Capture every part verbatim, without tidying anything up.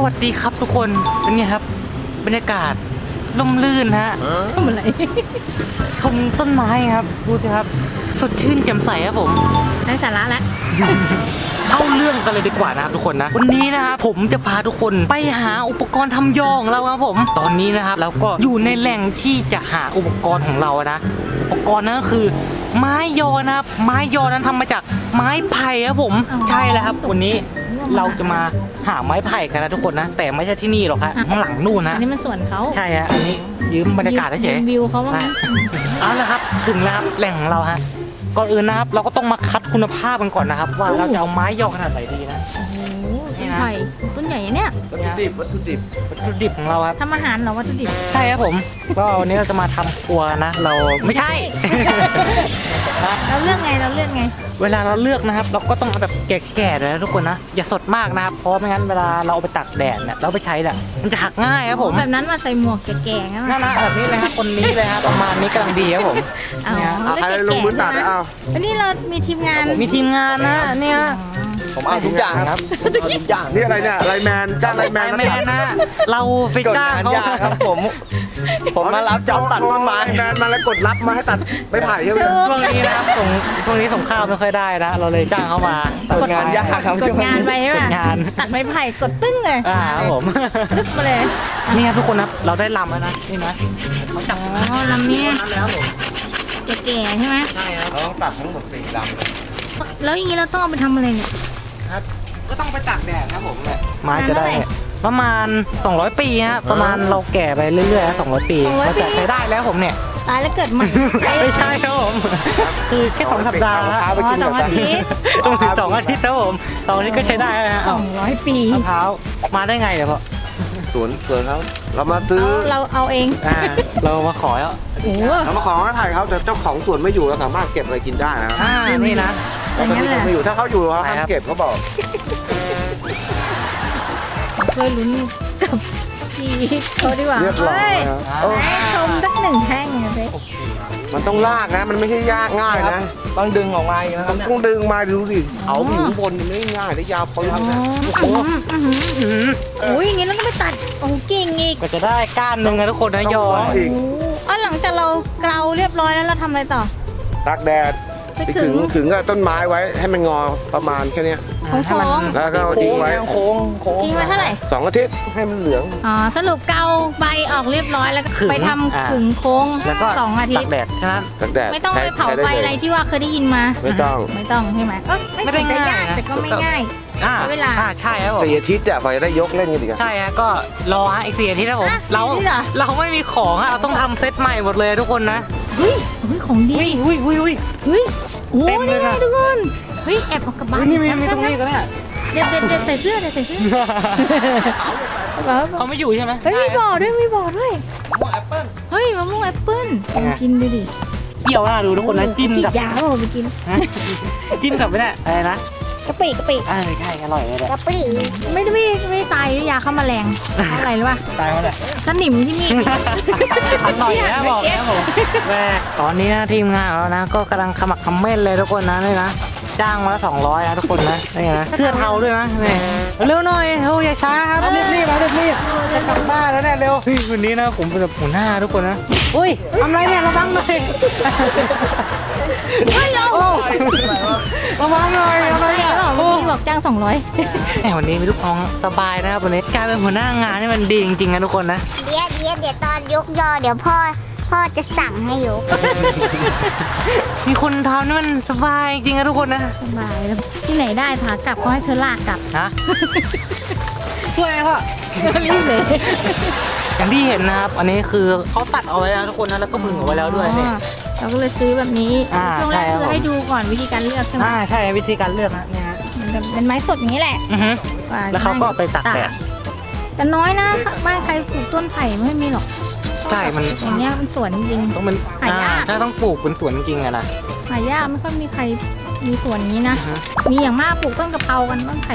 วัสดีครับทุกคนเป็นไงครับบรรยากาศร่มรื่นฮะทำอะไรชมต้นไม้ครับดูสิครับสดชื่นแจ่มใสครับผมได้สาระแล้วเข้าเรื่องกันเลยดีกว่านะครับทุกคนนะวันนี้นะครับผมจะพาทุกคนไปหาอุปกรณ์ทำยอของเราครับผมตอนนี้นะครับเราก็อยู่ในแหล่งที่จะหาอุปกรณ์ของเรานะอุปกรณ์นั้นก็คือไม้ยอนะครับไม้ยอนั้นทำมาจากไม้ไผ่ครับผมใช่แล้วครับวันนี้เราจะมาหาไม้ไผ่กันนะทุกคนนะแต่ไม่ใช่ที่นี่หรอกครับข้างหลังนู่นนะอันนี้มันส่วนเขาใช่ฮะอันนี้ยืมบรรยากาศเฉยวิวเขาว่าเอาละครับถึงแล้วครับแหล่งของเราฮะก่อนอื่นนะครับเราก็ต้องมาคัดคุณภาพกันก่อนนะครับว่าเราจะเอาไม้ยอขนาดไหนดีนะโอ้โหต้นไผ่ต้นใหญ่เนี่ยวัตถุดิบวัตถุดิบวัตถุดิบของเราครับทำอาหารเหรอวัตถุดิบใช่ครับผมก็วันนี้เราจะมาทำครัวนะเราไม่ใช่เราเลือกไงเราเลือกไงเวลาเราเลือกนะครับเราก็ต้องเอาแบบแก่ๆเลยนะทุกคนนะอย่าสดมากนะครับเพราะไม่งั้นเวลาเราเอาไปตากแดดเนี่ยเราไปใช้เนี่ยมันจะหักง่ายครับผมแบบนั้นมาใส่หมวกแก่ๆงั้นนั่นนะแบบนี้เลยครับคนนี้เลยครับประมาณนี้กำลังดีครับผมเอาใครลงมือตัดเอาอันนี้เรามีทีมงานมีทีมงานนะเนี่ยผมเอาทุกอย่างครับทุกอย่างนี่อะไรเนี่ยไลแมนจ้างไลแมนแมนนะเราไปจ้างเขาครับผมผมมารับจ็อบตัดต้นไม้แมนมาแล้วกดรับมาให้ตัดไม่ไผ่ใช่ไหมช่วงนี้นะครับส่งช่วงนี้ส่งข้าวไม่ค่อยได้นะเราเลยจ้างเขามากดงานยากครับกดงานไปใช่ไหมตัดไม้ไผ่กดตึ้งเลยอ่าครับผมลึกมาเลยนี่ครับทุกคนนะเราได้ลำแล้วนะนี่นะเขาจับอ๋อลำนี้แล้วผมแก่ๆใช่ไหมใช่ครับเราต้องตัดทั้งหมดสี่ลำแล้วอย่างนี้เราต้องเอาไปทำอะไรเนี่ยครับก็ต้องไปตากแดดครับผมแหละไม้จะได้ประมาณสองร้อยปีฮะประมาณเราแก่ไปเรื่อยๆสองร้อยปีเราจะใช้ได้แล้วผมเนี่ยตายแล้วเกิดใหม่ไม่ใช่ครับผมคือแค่สองสัปดาห์อ๋อสองอาทิตย์ต้องถึงสองอาทิตย์ครับผมตอนนี้ก็ใช้ได้แล้วฮะสองร้อยปีมะพร้าวมาได้ไงเดี๋ยวพ่อสวนสวนเขาเรามาซื้อเราเอาเองเรามาขอแล้วเรามาขอให้ถ่ายเขาแต่เจ้าของสวนไม่อยู่เราสามารถเก็บอะไรกินได้นะอ่านี่นะแต่ตอนนี้เขาไม่อยู่ถ้าเขาอยู่เขาห้ามเก็บเขาบอกเคยลุ้นกับพี่เขาดีกว่าเรียบร้อยชมสักหนึ่งแท่งเลยมันต้องลากนะมันไม่ใช่ยากง่ายนะต้องดึงออกมาอย่างนะครับต้องดึงมาดูสิเอาอยู่บนไม่ง่ายได้ยาวปืนนะโอ้โหโอ้ยอย่างงี้เราต้องไปตัดโอ้กิ่งอีกก็จะได้ก้านหนึ่งนะทุกคนนะยออีกอ๋อหลังจากเราเกลาเรียบร้อยแล้วเราทำอะไรต่อตากแดดไปขึงขึงกับต้นไม้ไว้ให้มันงอประมาณแค่นี้โค้งแล้วก็ทิ้งไว้โค้งโค้งทิ้งไว้เท่าไหร่สองอาทิตย์ให้มันเหลืองอ๋อสรุปเกาใบออกเรียบร้อยแล้วก็ไปทำขึงโค้งแล้วก็สองอาทิตย์ตากแดดใช่ไหมตากแดดไม่ต้องไปเผาไฟอะไรที่ว่าเคยได้ยินมาไม่ต้องไม่ต้องใช่ไหมไม่ได้ง่ายแต่ก็ไม่ง่ายเวลาใช่ครับผมสี่อาทิตย์อะไฟได้ยกเล่นกันดีกันใช่ฮะก็รอฮะอีกสี่อาทิตย์นะผมเราเราไม่มีของฮะเราต้องทำเซตใหม่หมดเลยทุกคนนะเฮ้ยเฮ้ยของดีเฮ้ยเฮ้ยเฮ้ยเฮ้ยโอ้ยนี่ทุกคนเฮ้ยแอบออกกระบะนี่มีมีตรงนี้ก็เนี่ยเด็ดเด็ดเด็ดใส่เสื้อเด็ดใส่เสื้อเขาไม่อยู่ใช่ไหมเฮ้ยมีบ่อด้วยมีบ่อด้วยมะม่วงแอปเปิ้ลเฮ้ยมะม่วงแอปเปิ้ลกินดูดิเปรี้ยวน่าดูทุกคนนะจิ้มกับยาเราไปกินจิ้มกับไม่ได้อะไรนะกะปิกะปิอ่าใช่อร่อยเลยกะปิไม่ไม่ไม่ตายด้วยยาฆ่าแมลงอะไรหรือเปล่าตายเพราะอะไรสนิมที่มีอร่อยนะบอกนะผมแม่ตอนนี้นะทีมงานของเรานะก็กำลังขมักขม้นเลยทุกคนนะนี่นะจ้างมาละสองร้อยนะทุกคนนะนี่นะเสื้อเทาด้วยนะนี่เร็วหน่อยเฮ้ยอย่าช้าครับรีบรีบมารีบรีบจะกลับบ้านแล้วเนี่ยเร็ววันนี้นะผมเป็นแบบหัวหน้าทุกคนนะอุ้ยทำไรเนี่ยระวังหน่อยเฮ้ยเอาระวังหน่อยอะไรเนี่ยพี่บอกจ้างสองร้อยแหมวันนี้มีลูกน้องสบายนะครับวันนี้การเป็นหัวหน้างานนี่มันดีจริงๆนะทุกคนนะเดี๋ยวเดี๋ยวเดี๋ยวตอนยกยอเดี๋ยวพ่อพ่อจะสั่งให้ยกมีคนทำนี่มันสบายจริงๆนะทุกคนนะสบายแล้วที่ไหนได้พากลับก็ให้เธอลากกลับฮะช่วยไหมพ่อรีบเลยอย่างที่เห็นนะครับอันนี้คือเขาตัดเอาไว้แล้วทุกคนนะแล้วก็ผึ่งเอาไว้แล้วด้วยนี่เราก็เลยซื้อแบบนี้ช่วงแรกคือให้ดูก่อนวิธีการเลือกใช่ไหมอ่าใช่วิธีการเลือกนะเนี่ยมันเป็นไม้สดอย่างนี้แหละแล้วเขาก็ไปตากแดดแต่น้อยนะบ้านใครปลูกต้นไผ่ไม่มีหรอกใช่มันอย่างเงี้ยมันสวนจริงต้องมันหายากใช่ต้องปลูกเป็นสวนจริงอะนะหายากไม่ค่อยมีใครมีสวนนี้นะมีอย่างมากปลูกต้นกะเพรากันต้นไผ่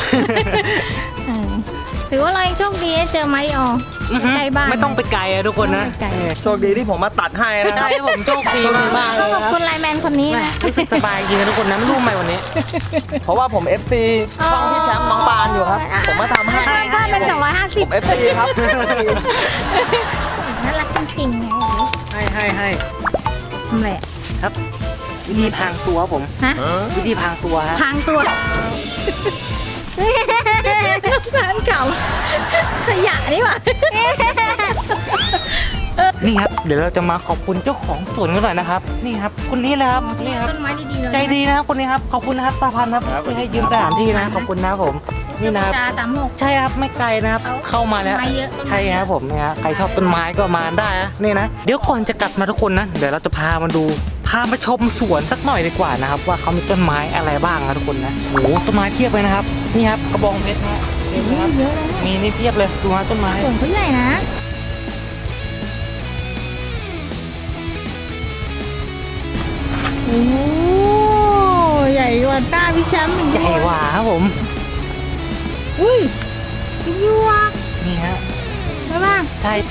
ถือว่าเราโชคดีเจอไม้ออใกล้บ้านไม่ต้องไปไกลอะทุกคนนะโชคดีที่ผมมาตัดให้นะใช่ผมโชคดีมากเลยขอบคุณไลแมนคนนี้นะรู้สึกสบายจริงนะทุกคนนะไม่รู้ไหมวันนี้เพราะว่าผม เอฟ ซี ช่องที่แชมป์น้องปานอยู่ครับผมมาทำให้เป็นสองร้อยห้าสิบเอฟซีครับน่ารักจริงๆไงให้ให้ให้ทำไรอะครับ วิธีพรางตัวครับผมฮะวิธีพรางตัวฮะพรางตัวสารเก่าขยะนี่หว่านี่ครับเดี๋ยวเราจะมาขอบคุณเจ้าของสวนกันหน่อยนะครับ นี่ครับคนนี้เลยครับนี่ครับต้นไม้ดีๆเลยใจดีนะครับคนนี้ครับขอบคุณนะครับตาพันครับที่ให้ยืมสถานที่นะขอบคุณนะครับผมนี่นะครับจาตามหกใช่ครับไม่ไกลนะครับเข้ามาแล้วต้นไม้เยอะต้นไม้ใช่ครับผมเนี่ยฮะใครชอบต้นไม้ก็มาได้นะนี่นะเดี๋ยวก่อนจะกลับมาทุกคนนะเดี๋ยวเราจะพามาดูพามาชมสวนสักหน่อยดีกว่านะครับว่าเขามีต้นไม้อะไรบ้างนะทุกคนนะโอ้โหต้นไม้เพียบเลยนะครับนี่ครับกระบองเพชรนะฮะเห็นไหมครับเยอะเลยมีนี่เพียบเลยดูฮะต้นไม้สวนเขาใหญ่นะโอ้ใหญ่กว่าหน้าพี่แชมป์อีกใหญ่กว่าครับผมอุ้ยพี่ยัวนี่ฮะใช่ป่ะใช่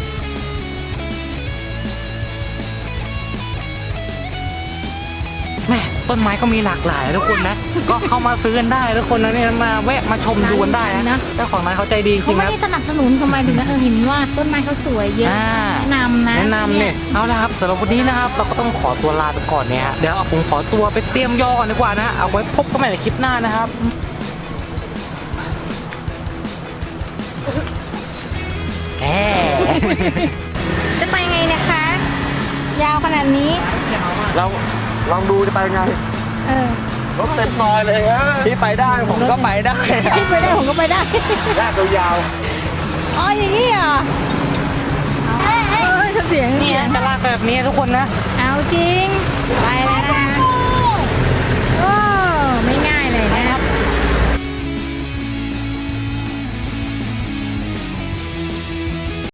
แม่ต้นไม้ก็มีหลากหลายนะทุกคนนะ ก็เข้ามาซื้อกันได้ทุกคนนะเนี่ยมาแวะมาชมดูกันได้นะเจ้าของร้านเขาใจดีจเขาริงๆไม่นะได้สนับสนุนทำไมถึงเออเห็นว่าต้นไม้เขาสวยเยอะอ่าแนะนำนะแนะนำเนี่ยเอาละครับสำหรับวันนี้นะครับเราก็ต้องขอตัวลาไปก่อนเนี่ยฮะเดี๋ยวเอาผมขอตัวไปเตรียมย่อก่อนดีกว่านะเอาไว้พบกันใหม่ในคลิปหน้านะครับแหมจะไปไงเนะคะ ยาวขนาดนี้เราลองดูจะไปไงเออรถเต็มซอยเลยฮะที่ไปได้ผมก็ไปได้ที่ไปได้ผมก็ไปได้ลากยาวอ๋ออย่างนี้เหรอเอ้ยเสียงนี่เสียฮะงจะลากแบบนี้ทุกคนนะเอาจริง ไปแล้วนะคะ